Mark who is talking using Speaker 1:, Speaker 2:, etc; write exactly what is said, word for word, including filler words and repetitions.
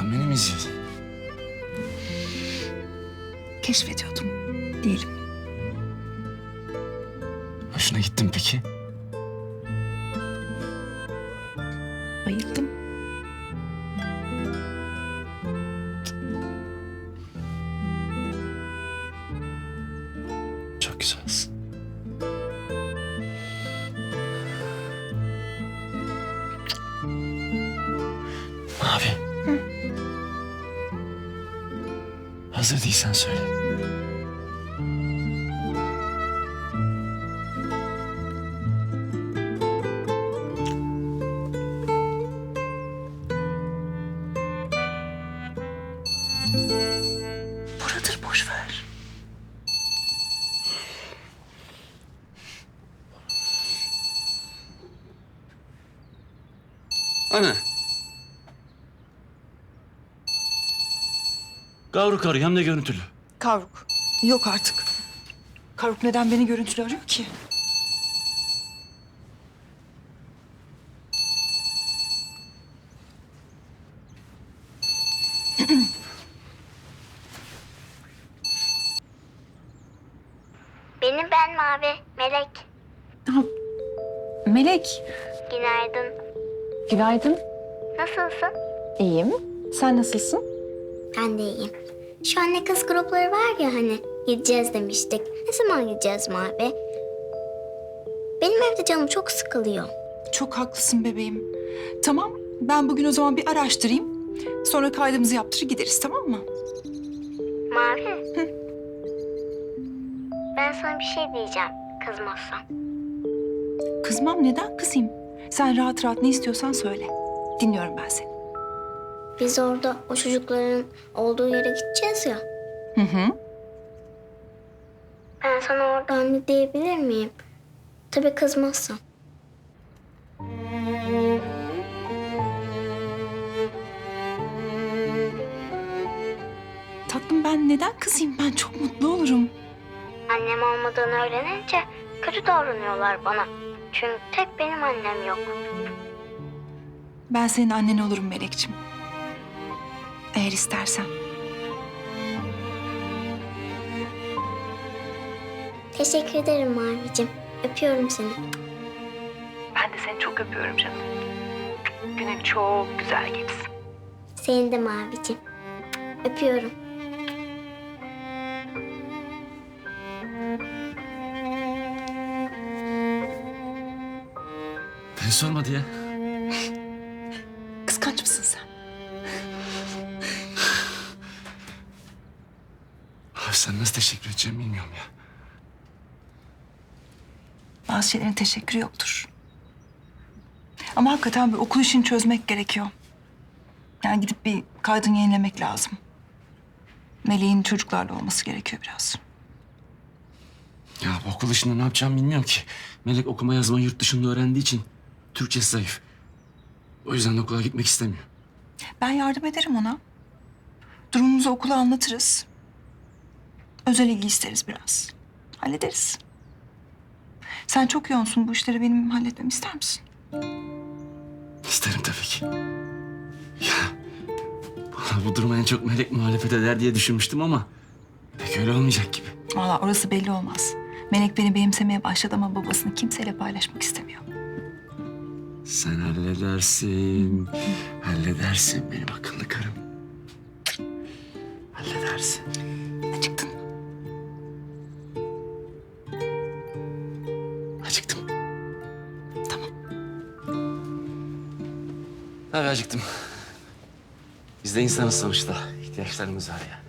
Speaker 1: Sen beni mi izliyordun?
Speaker 2: Keşfediyordum diyelim.
Speaker 1: Hoşuna gittin peki?
Speaker 2: Bayıldım.
Speaker 1: Çok güzelsin. Mavi.
Speaker 2: Hı?
Speaker 1: Hazır değilsen söyle.
Speaker 2: Buradır, boş ver.
Speaker 3: Ana. Kavruk arıyor hem de görüntülü.
Speaker 2: Kavruk. Yok artık. Kavruk neden beni görüntülü arıyor ki?
Speaker 4: Benim ben Mavi, Melek.
Speaker 2: Ha, Melek.
Speaker 4: Günaydın.
Speaker 2: Günaydın.
Speaker 4: Nasılsın?
Speaker 2: İyiyim. Sen nasılsın?
Speaker 4: Ben de iyiyim. Şu anne kız grupları var ya hani, gideceğiz demiştik. Ne zaman gideceğiz Mavi? Benim evde canım çok sıkılıyor.
Speaker 2: Çok haklısın bebeğim. Tamam, ben bugün o zaman bir araştırayım. Sonra kaydımızı yaptırır gideriz, tamam mı?
Speaker 4: Mavi. Ben sana bir şey diyeceğim, kızmazsan.
Speaker 2: Kızmam, neden kızayım? Sen rahat rahat ne istiyorsan söyle. Dinliyorum ben seni.
Speaker 4: Biz orada o çocukların olduğu yere gideceğiz ya.
Speaker 2: Hı hı.
Speaker 4: Ben sana orada anne diyebilir miyim? Tabii kızmazsan.
Speaker 2: Tatlım, ben neden kızayım? Ben çok mutlu olurum.
Speaker 4: Annem olmadığını öğrenince kötü davranıyorlar bana. Çünkü tek benim annem yok.
Speaker 2: Ben senin annen olurum Melekçim. Eğer istersen.
Speaker 4: Teşekkür ederim Mavicim. Öpüyorum seni.
Speaker 2: Ben de seni çok öpüyorum canım. Günün çok güzel geçsin.
Speaker 4: Seni de Mavicim. Öpüyorum.
Speaker 3: Beni sormadı ya.
Speaker 2: Kıskanç mısın sen?
Speaker 1: Abi sen nasıl teşekkür edeceğimi bilmiyorum ya.
Speaker 2: Bazı şeylerin teşekkürü yoktur. Ama hakikaten bir okul işini çözmek gerekiyor. Yani gidip bir kaydını yenilemek lazım. Meleğin çocuklarla olması gerekiyor biraz.
Speaker 3: Ya bu okul işinde ne yapacağımı bilmiyorum ki. Melek okuma yazma yurt dışında öğrendiği için Türkçesi zayıf. O yüzden de okula gitmek istemiyor.
Speaker 2: Ben yardım ederim ona. Durumumuzu okula anlatırız. Özel ilgi isteriz biraz. Hallederiz. Sen çok yoğunsun. Bu işleri benim halletmemi ister misin?
Speaker 1: İsterim tabii ki. Ya bana bu duruma en çok Melek muhalefet eder diye düşünmüştüm ama pek öyle olmayacak gibi.
Speaker 2: Vallahi orası belli olmaz. Melek beni benimsemeye başladı ama babasını kimseyle paylaşmak istemiyor.
Speaker 1: Sen halledersin. Halledersin benim akıllı karım. Halledersin.
Speaker 2: Acıktın mı?
Speaker 1: Acıktım.
Speaker 2: Tamam.
Speaker 3: Tabii acıktım. Biz de insanız sonuçta. İhtiyaçlarımız var ya.